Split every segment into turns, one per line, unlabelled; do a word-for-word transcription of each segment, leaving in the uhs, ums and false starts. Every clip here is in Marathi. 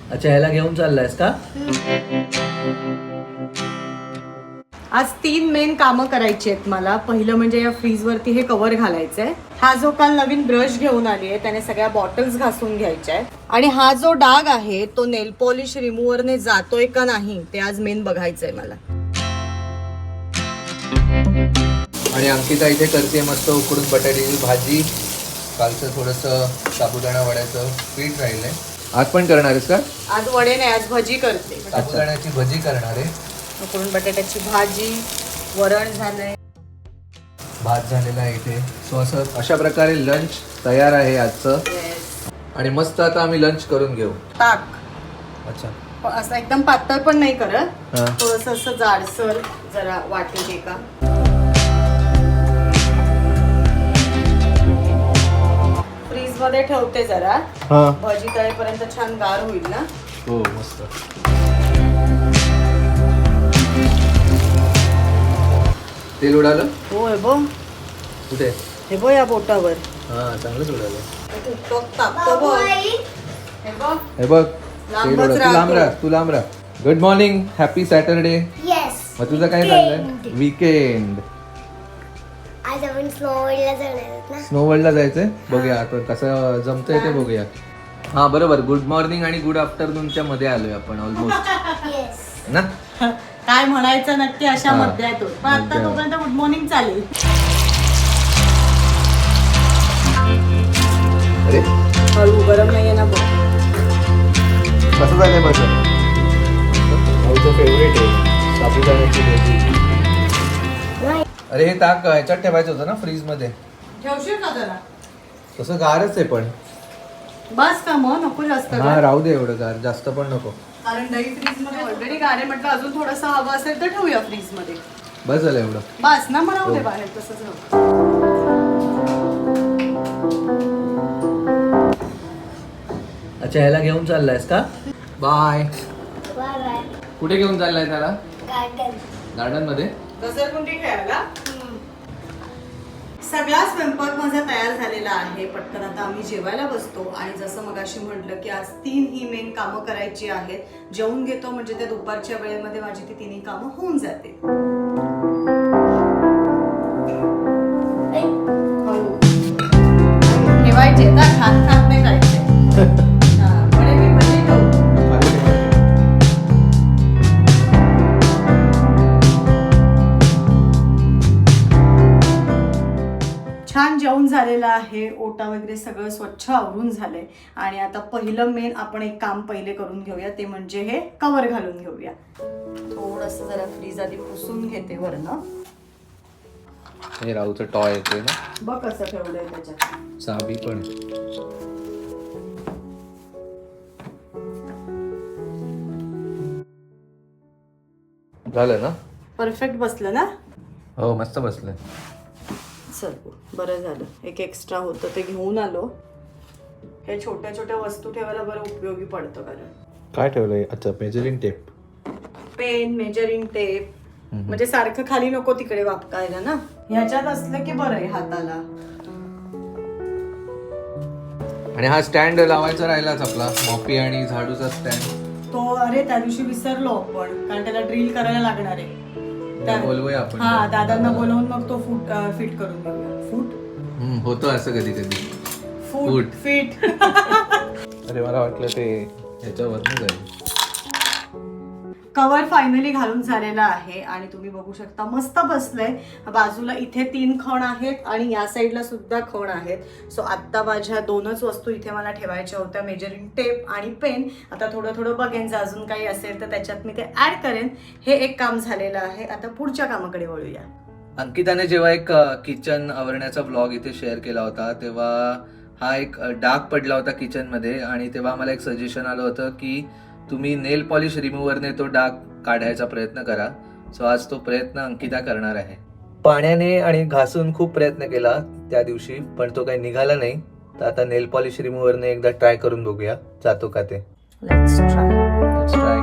अच्छा, ह्याला घेऊन चाललायस का?
आज तीन मेन कामं करायची आहेत मला. पहिलं म्हणजे या फ्रीज वरती हे कव्हर घालायचंय. हा जो काल नवीन ब्रश घेऊन आली आहे त्याने सगळ्या बॉटल्स घासून घ्यायच्या आहेत. आणि हा जो डाग आहे तो नेल पॉलिश रिमूव्हरने जातोय का नाही ते आज मेन बघायचंय मला.
आणि अंकिता इथे करते मस्त उकडून बटाट्याची भाजी. कालचं थोडंसं साबुदाणा वड्याचं पीठ राहिलंय. आज पण करणार आहेस का?
आज वडे नाही, आज भजी करते.
साबुदाण्याची भजी करणार आहे.
उकडून बटाट्याची भाजी, वरण झालंय,
भात झालेला आहे इथे. सो असं अशा प्रकारे लंच तयार आहे आजचं. आणि मस्त आता आम्ही लंच करून घेऊ.
ताक.
अच्छा,
पण असं एकदम पातळ पण नाही करत,
हा.
थोडंसं असं जाडसर जरा वाटेल का. फ्रीज मध्ये ठेवते जरा,
हा.
भजी तळेपर्यंत छान गार होईल ना.
हो मस्त. तेल उडालं?
हो हे बघ,
कुठे?
हे बघ या बोटावर
हा, चांगलंच उडालं.
तापतो बघ. हे बघ
हे बघ, तेल
लांबच
उडालं. तू लांब
राहतो.
राहा, तू लांब राहा. Good morning, happy Saturday.
Yes.
मग तुझं काय चाललंय? वीकेंड.
आज आपण स्नोवर्ल्डला जाणार आहोत ना.
स्नो वर्ल्डला जायचंय. बघूया आपण कसं जमतंय ते बघूया. हा बरोबर, गुड मॉर्निंग आणि गुड आफ्टरनूनच्या मध्ये आलोय आपण ऑलमोस्ट
येस.
ना.
काय म्हणायचं नक्की अशा
हा.
मध्यातून. पण आता
मध्यात.
तोपर्यंत गुड मॉर्निंग चालेल.
अरे
हळू, गरम नाहीये ना बघ.
कसं झालंय माझं? माझं फेवरेट आहे साबुदाण्याची भाजी. अरे हे ताक ह्याच्यात ठेवायचं होतं ना फ्रीज मध्ये.
ठेवशील का जरा?
तसं गारच आहे पण.
बस का मग, नको जास्त
हा
गार.
राहू दे, एवढं गार जास्त पण नको.
कारण दही फ्रीज मध्ये ऑलरेडी गार आहे, म्हटलं अजून थोडंसं हवं असेल तर ठेवूया फ्रीज मध्ये.
बस झालं एवढं.
बस ना, मला राहू दे
हो.
बाहेर तसंच राहू.
अच्छा, ह्याला घेऊन चाललायस का? बाय.
Bye bye.
कुठे घेऊन चाललाय त्याला?
गार्डन.
गार्डन मध्ये.
घसरगुंडी खेळायला. सगळा स्वयंपाक माझा तयार झालेला आहे. पटकन आता आम्ही जेवायला बसतो. आणि जसं मगाशी म्हटलं की आज तीन ही मेन कामं करायची आहेत. जेवून घेतो म्हणजे त्या दुपारच्या वेळेमध्ये माझी ती तिन्ही कामं होऊन जाते. ठेवायचे ना, खात खात नाही जायचे. छान जेवण झालेलं आहे. ओटा वगैरे सगळं स्वच्छ आवरून झालंय. आणि आता पहिलं मेन आपण एक काम पहिले करून घेऊया, ते म्हणजे हे कव्हर घालून घेऊया. थोडस जरा फ्रीज आधी पुसून घेते वरनं.
हे राहूचं टॉय येते ना.
बघ कसं ठेवलंय त्याच्यात.
चाबी पण. झालं ना.
परफेक्ट बसलं ना.
हो मस्त बसलंय.
चल बरं झालं, एक एक्स्ट्रा होतं ते घेऊन आलो. हे छोट्या छोट्या वस्तू ठेवायला बरं उपयोगी पडतं. कारण
काय ठेवलंय? अच्छा, measuring tape.
Pen, measuring tape, म्हणजे सारखं खाली नको तिकडे वापकायला ना. ह्याच्यात असलं की बरं आहे हाताला.
आणि हा स्टँड लावायचा राहिलाच आपला, मॉपी आणि झाडूचा स्टँड.
तो अरे त्या दिवशी विसरलो आपण, कारण त्याला ड्रिल करायला लागणार आहे. त्या-
बोलवूया आपण.
हा, दादांना बोलवून मग तो फूट फिट करून घेऊया. फूट
हम्म, होतं असं कधी कधी.
Foot
foot.
फिट.
अरे मला वाटलं ते ह्याच्यावर जाईल.
कव्हर फायनली घालून झालेला आहे. आणि तुम्ही बघू शकता मस्त बसलंय. बाजूला इथे तीन खण आहेत आणि या साईडला सुद्धा खण आहेत. सो आत्ता माझ्या दोनच वस्तू इथे मला ठेवायच्या होत्या, मेजरिंग टेप आणि पेन. आता थोडं थोडं बघेन, जर अजून काही असेल तर त्याच्यात मी ते ऍड करेन. हे एक काम झालेलं आहे. आता पुढच्या कामाकडे वळूया.
अंकिताने जेव्हा एक किचन आवरण्याचा ब्लॉग इथे शेअर केला होता तेव्हा हा एक डाग पडला होता किचन मध्ये. आणि तेव्हा मला एक सजेशन आलं होतं की तुम्ही नेल पॉलिश रिमूव्हरने तो डाग काढायचा प्रयत्न करा. सो आज तो प्रयत्न अंकिता करणार आहे. पाण्याने आणि घासून खूप प्रयत्न केला त्या दिवशी, पण तो काही निघाला नाही. तर आता नेल पॉलिश रिमूव्हरने एकदा ट्राय करून बघूया जातो का ते.
Let's try.
Let's try.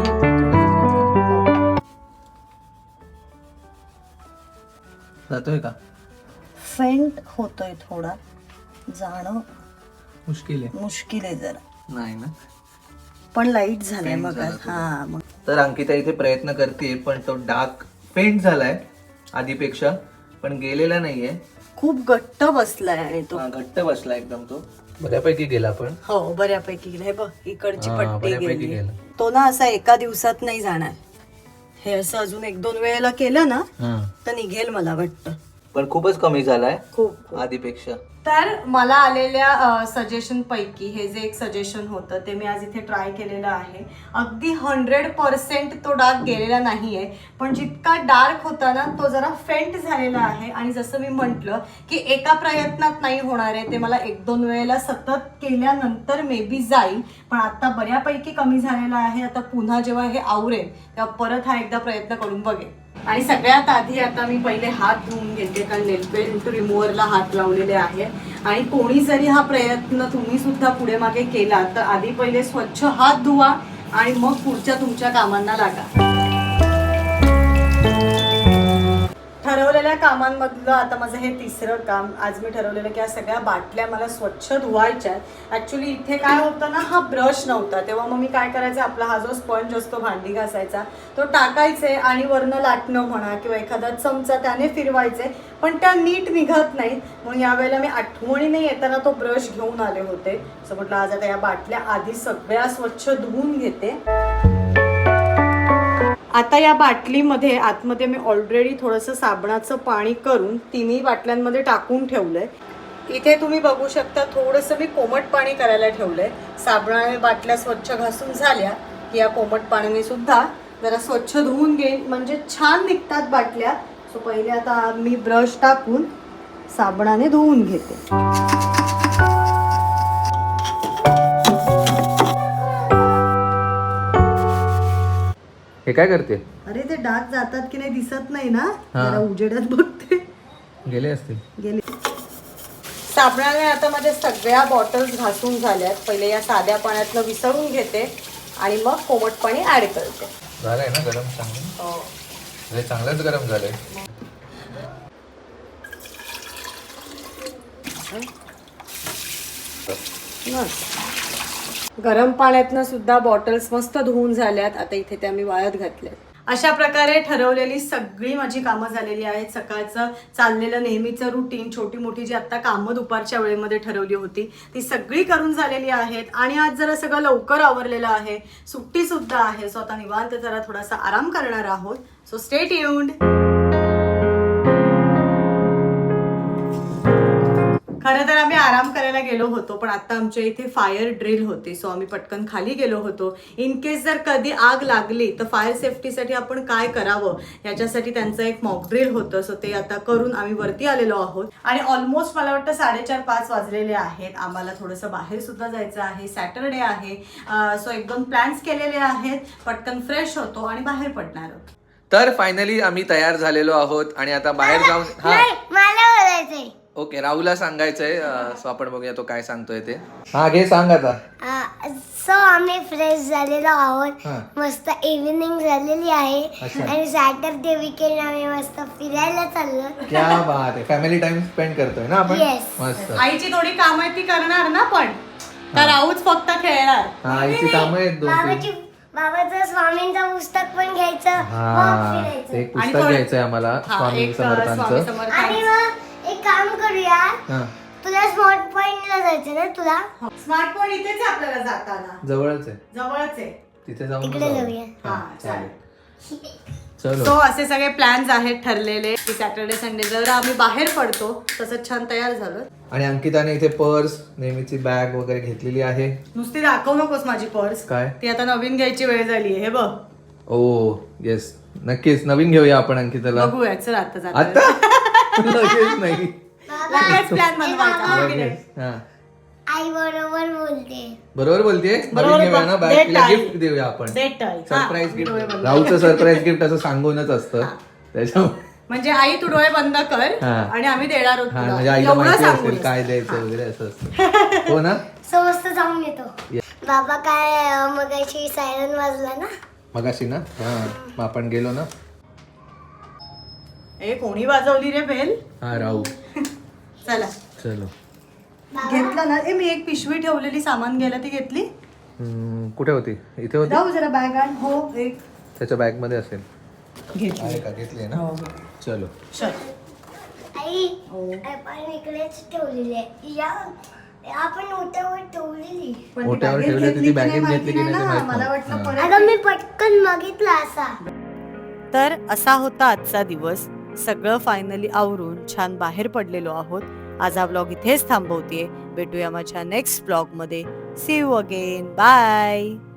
जातोय का?
फेंट होतोय थोडा, जाणं
मुश्किल आहे.
मुश्किल आहे जरा.
नाही ना.
पण लाईट झालाय
Faint
मग
झाला तुझा.
हा मग
तर अंकिता इथे प्रयत्न करते पण तो डार्क फेंट झालाय आधीपेक्षा, पण गेलेला नाहीये.
खूप घट्ट बसलाय आणि तो
हा, घट्ट बसला एकदम तो. बऱ्यापैकी गेला पण.
हो बऱ्यापैकी गेला. हे बघ इकडची
हा,
पट्टी
बऱ्यापैकी
गेली.
गेला.
तो ना असा एका दिवसात नाही जाणार. हे असं अजून एक दोन वेळेला केलं ना
हा.
तर निघेल मला वाटतं.
पण खूपच कमी झालाय
खूप
आधीपेक्षा.
तर मला आलेल्या सजेशन पैकी हे जे एक सजेशन होतं ते मी आज इथे ट्राय केलेलं आहे. अगदी हंड्रेड पर्सेंट तो डार्क गेलेला नाहीये, पण जितका डार्क होता ना तो जरा फेंट झालेला आहे. आणि जसं मी म्हटलं की एका प्रयत्नात नाही होणार आहे, ते मला एक दोन वेळेला सतत केल्यानंतर मे बी जाईल. पण आता बऱ्यापैकी कमी झालेला आहे. आता पुन्हा जेव्हा हे आवरेल तेव्हा परत हा एकदा प्रयत्न करून बघेन. आणि सगळ्यात आधी आता मी पहिले हात धुवून घेते, कारण नेलपेंट रिमूव्हरला हात लावलेले आहे. आणि कोणी जरी हा प्रयत्न तुम्ही सुद्धा पुढे मागे केला तर आधी पहिले स्वच्छ हात धुवा आणि मग पुढच्या तुमच्या कामांना लागा. ठरवलेल्या कामांमधलं आता माझं हे तिसरं काम. आज मी ठरवलेलं की या सगळ्या बाटल्या मला स्वच्छ धुवायच्या आहेत. ॲक्च्युली इथे काय होतं ना, हा ब्रश नव्हता, तेव्हा मग मी काय करायचं, आपला हा जो स्पंज असतो भांडी घासायचा तो टाकायचे आणि वरनं लाटणं म्हणा किंवा एखादा चमचा त्याने फिरवायचे, पण त्या नीट निघत नाहीत. म्हणून यावेळेला मी आठवणीने येताना तो ब्रश घेऊन आले होते. असं म्हटलं आज आता या बाटल्या आधी सगळ्या स्वच्छ धुवून घेते. आता या बाटलीमध्ये आतमध्ये मी ऑलरेडी थोडंसं साबणाचं पाणी करून तिन्ही बाटल्यांमध्ये टाकून ठेवलंय. इथे तुम्ही बघू शकता थोडंसं मी कोमट पाणी करायला ठेवलंय. साबणाने बाटल्या स्वच्छ घासून झाल्या की या कोमट पाण्याने सुद्धा जरा स्वच्छ धुवून घेईन, म्हणजे छान निघतात बाटल्या. सो पहिले आता मी ब्रश टाकून साबणाने धुवून घेते.
हे काय करते?
अरे ते डाग जातात की नाही दिसत नाही ना,
हा.
जरा उजेडात बघते.
गेले असतील.
गेले. साबणाने आता माझ्या सगळ्या बॉटल्स घासून झाल्यात. पहिले या साध्या पाण्यातनं विसळून घेते आणि मग कोमट पाणी ऍड करते.
झालंय ना गरम चांगलं?
हो.
हे चांगलंच गरम झालंय.
गरम पाण्यातनं सुद्धा बॉटल्स मस्त धुवून झाल्यात. आता इथे त्या मी वाळत घातल्यात. अशा प्रकारे ठरवलेली सगळी माझी कामं झालेली आहेत. सकाळचं चाललेलं नेहमीचं रुटीन, छोटी मोठी जी आता कामं दुपारच्या वेळेमध्ये ठरवली होती ती सगळी करून झालेली आहेत. आणि आज जरा सगळं लवकर आवरलेलं आहे, सुट्टी सुद्धा आहे. सो आता निवांत जरा थोडासा आराम करणार आहोत. So stay tuned. खरं तर आम्ही आराम करायला गेलो होतो, पण आता आमच्या इथे फायर ड्रिल होती. सो आम्ही पटकन खाली गेलो होतो. इन केस जर कधी आग लागली तर फायर सेफ्टीसाठी आपण काय करावं याच्यासाठी त्यांचं एक मॉक ड्रिल होतं. सो ते आता करून आम्ही वरती आलेलो आहोत. आणि ऑलमोस्ट मला वाटतं साडेचार पाच वाजलेले आहेत. आम्हाला थोडंसं बाहेर सुद्धा जायचं आहे. सॅटरडे आहे. सो एक दोन प्लॅन्स केलेले आहेत. पटकन फ्रेश होतो आणि बाहेर पडणार आहोत.
तर फायनली आम्ही तयार झालेलो आहोत आणि आता बाहेर जाऊन हा
नाही, मला बोलायचंय.
ओके, राहुलला सांगायचंय. सो आपण बघूया तो काय सांगतोय ते. हा घे, सांग आता.
सो आम्ही फ्रेश झालेलो आहोत.
हा.
मस्त इव्हिनिंग झालेली आहे
अच्छा.
आणि सॅटरडे वीकेंड आम्ही मस्त फिरायला चाललो.
क्या बात आहे. फॅमिली टाइम स्पेंड करतोय ना आपण.
Yes.
मस्त.
आईची थोडी काम आहे ती करणार ना, पण तर राहूच फक्त खेळणार.
हा, आईची कामं आहेत दोन
बाबाची
तीन.
बाबाचं स्वामींचं पुस्तक पण घ्यायचं, मग
हा,
फिरायचं.
एक
आणि
पुस्तक
थोडं-
घ्यायचंय आम्हाला
हा,
स्वामी
एक, अ, स्वामी
समर्थांचं.
समर्थ.
आणि मग एक काम करूया,
हा,
तुला स्मॉट पॉइंटला जायचं ना तुला?
स्मार्ट पॉइंट इथेच आहे आपल्याला जाताना,
जवळच आहे.
जवळच आहे.
तिथे जाऊन
तिकडे
जाऊ.
जाऊया.
हा,
हा,
चालेल.
सो
चलो.
असे सगळे प्लॅन्स आहेत ठरलेले की सॅटर्डे संडे जर आम्ही बाहेर पडतो तसं छान तयार झालो.
आणि अंकिताने इथे पर्स, नेहमीची बॅग वगैरे घेतलेली आहे.
नुसती दाखवू नकोस माझी पर्स,
काय?
ती आता नवीन घ्यायची वेळ झाली आहे. हे बघ.
ओ येस, नक्कीच नवीन घेऊया आपण अंकिताला.
बघूया, चल आता जाता.
आता लगेच नाही.
लगेच प्लॅन बनवायचा, हो की नाही?
लगेच. हा,
आई बरोबर बोलते.
बरोबर बोलतेय.
बरोबर
नवीन घेऊया ना
बघ.
बॅग,
देत
तिला
आहे.
गिफ्ट देऊया आपण.
देत आहे. हा.
Surprise gift.
डोळे बंद.
राहुलचं सरप्राईज गिफ्ट असं सांगूनच असतं. त्याच्यामुळे
म्हणजे आई तू डोळे बंद कर
हा.
आणि आम्ही देणार आहोत
हा,
तुला.
म्हणजे आईला
एवढं
माहिती
सांगू
असेल
नये.
काय द्यायचं वगैरे असं असतं. हो ना.
सो मस्त जाऊन येतो. बाबा काय मगाशी सायरन वाजला ना,
मगाशी ना. हा, मग आपण गेलो ना.
ए कोणी वाजवली रे बेल?
हा, राहू.
चला
चलो.
घेतलं ना. ए मी एक पिशवी ठेवलेली सामान घ्यायला, ती घेतली?
हम्म, कुठे होती? इथे होती.
जाऊ जरा बॅग आण. हो एक
त्याच्या बॅग मध्ये असेल.
घेतली.
आहे का? घेतली ना.
हो हो.
चलो.
चल.
आई
हो.
आपण इकडेच ठेवलेली आहे या आपण ओट्यावर ठेवलेली
पण ती
ओट्यावर
बॅगेत
ठेवली होती,
घेतली
ती
की नाही
बॅगेत
माहिती
घेतली की
नाही
नाही ते
ना.
माहित
मला
नाही.
वाटलं
हा.
परत
अगं मी पटकन बघितला असा.
तर असा होता आजचा दिवस. सगळं फायनली आवरून छान बाहेर पडलेलो आहोत. आज हा ब्लॉग इथेच थांबवतेय. भेटूया माझ्या नेक्स्ट ब्लॉग मध्ये. See you again. बाय.